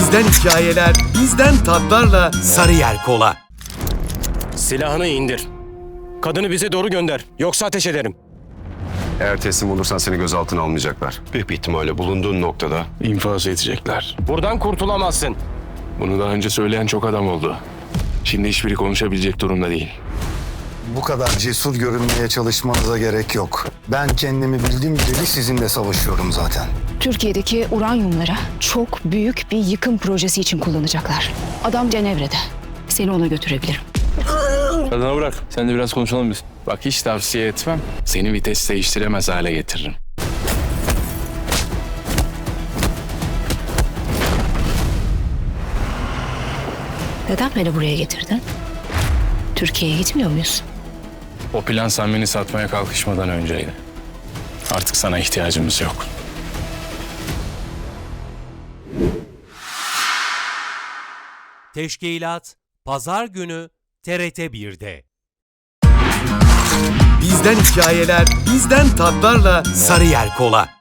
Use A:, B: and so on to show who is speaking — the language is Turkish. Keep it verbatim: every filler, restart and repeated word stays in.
A: Bizden hikayeler, bizden tatlarla Sarıyer Kola.
B: Silahını indir. Kadını bize doğru gönder. Yoksa ateş ederim.
C: Eğer teslim olursan seni gözaltına almayacaklar. Büyük bir ihtimalle bulunduğun noktada
D: İnfaz edecekler.
B: Buradan kurtulamazsın.
D: Bunu daha önce söyleyen çok adam oldu. Şimdi hiçbiri konuşabilecek durumda değil.
E: Bu kadar cesur görünmeye çalışmanıza gerek yok. Ben kendimi bildiğim bileli sizinle savaşıyorum zaten.
F: Türkiye'deki uranyumlara çok büyük bir yıkım projesi için kullanacaklar. Adam Cenevre'de. Seni ona götürebilirim.
D: Kadına bırak. Sen de biraz konuşalım biz. Bak hiç tavsiye etmem. Seni vites değiştiremez hale getiririm.
F: Neden beni buraya getirdin? Türkiye'ye gitmiyor muyuz?
D: O plan sen beni satmaya kalkışmadan önceydi. Artık sana ihtiyacımız yok.
G: Teşkilat Pazar günü T R T bir'de.
A: Bizden hikayeler, bizden tatlarla Sarıyer Kola.